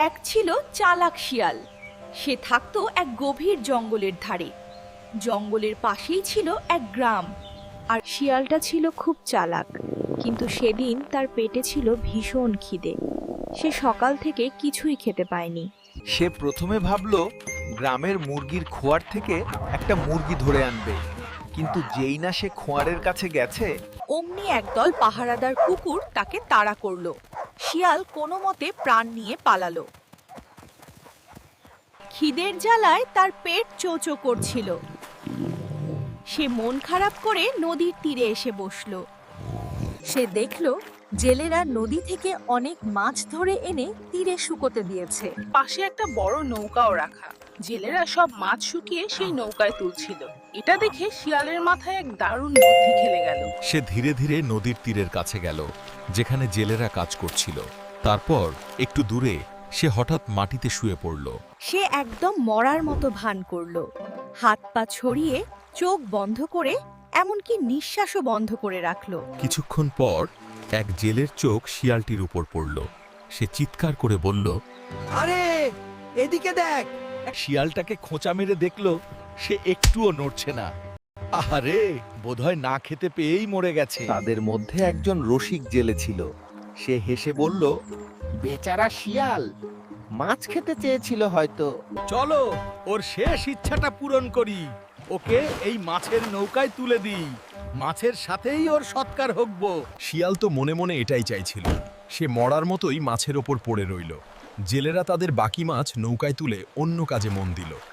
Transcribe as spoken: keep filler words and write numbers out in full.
এক ছিল চালাক শিয়াল। সে থাকতো এক গভীর জঙ্গলের ধারে। জঙ্গলের পাশেই ছিল এক গ্রাম। আর শিয়ালটা ছিল খুব চালাক, কিন্তু সেদিন তার পেটে ছিল ভীষণ খিদে। সে সকাল থেকে কিছুই খেতে পায়নি। সে প্রথমে ভাবলো গ্রামের মুরগির খোয়ার থেকে একটা মুরগি ধরে আনবে, কিন্তু যেই না সে খোয়ারের কাছে গেছে, অমনি একদল পাহারাদার কুকুর তাকে তাড়া করলো। শিয়াল কোনো মতে প্রাণ নিয়ে পালালো। খিদের জ্বালায় তার পেট চোচো করছিল। সে মন খারাপ করে নদীর তীরে এসে বসলো। সে দেখলো জেলেরা নদী থেকে অনেক মাছ ধরে এনে তীরে শুকোতে দিয়েছে। পাশে একটা বড় নৌকাও রাখা। জেলেরা সব মাছ শুকিয়ে সেই নৌকায় তুলছিল। এটা দেখে শিয়ালের মাথায় এক দারুণ বুদ্ধি খেলে গেল। সে ধীরে ধীরে নদীর তীরের কাছে গেল, যেখানে জেলেরা কাজ করছিল। তারপর একটু দূরে সে হঠাৎ মাটিতে শুয়ে পড়ল। সে একদম মরার মতো ভান করলো, হাত পা ছড়িয়ে, চোখ বন্ধ করে, এমনকি নিঃশ্বাসও বন্ধ করে রাখলো। কিছুক্ষণ পর এক জেলের চোখ শিয়ালটির উপর পড়ল। সে চিৎকার করে বলল, আরে এদিকে দেখ। শিয়ালটাকে খোঁচা মেরে দেখলো সে একটুও নড়ছে না। আহারে, বোধহয় না খেতে পেয়েই মরে গেছে। তাদের মধ্যে একজন রসিক জেলে ছিল। সে হেসে বলল, বেচারা শিয়াল মাছ খেতে চেয়েছিল হয়তো। চলো ওর শেষ ইচ্ছাটা পূরণ করি, ওকে এই মাছের নৌকায় তুলে দিই, মাছের সাথেই ওর সৎকার হোকব। শিয়াল তো মনে মনে এটাই চাইছিল। সে মরার মতোই মাছের ওপর পড়ে রইল। জেলেরা তাদের বাকি মাছ নৌকায় তুলে অন্য কাজে মন দিল।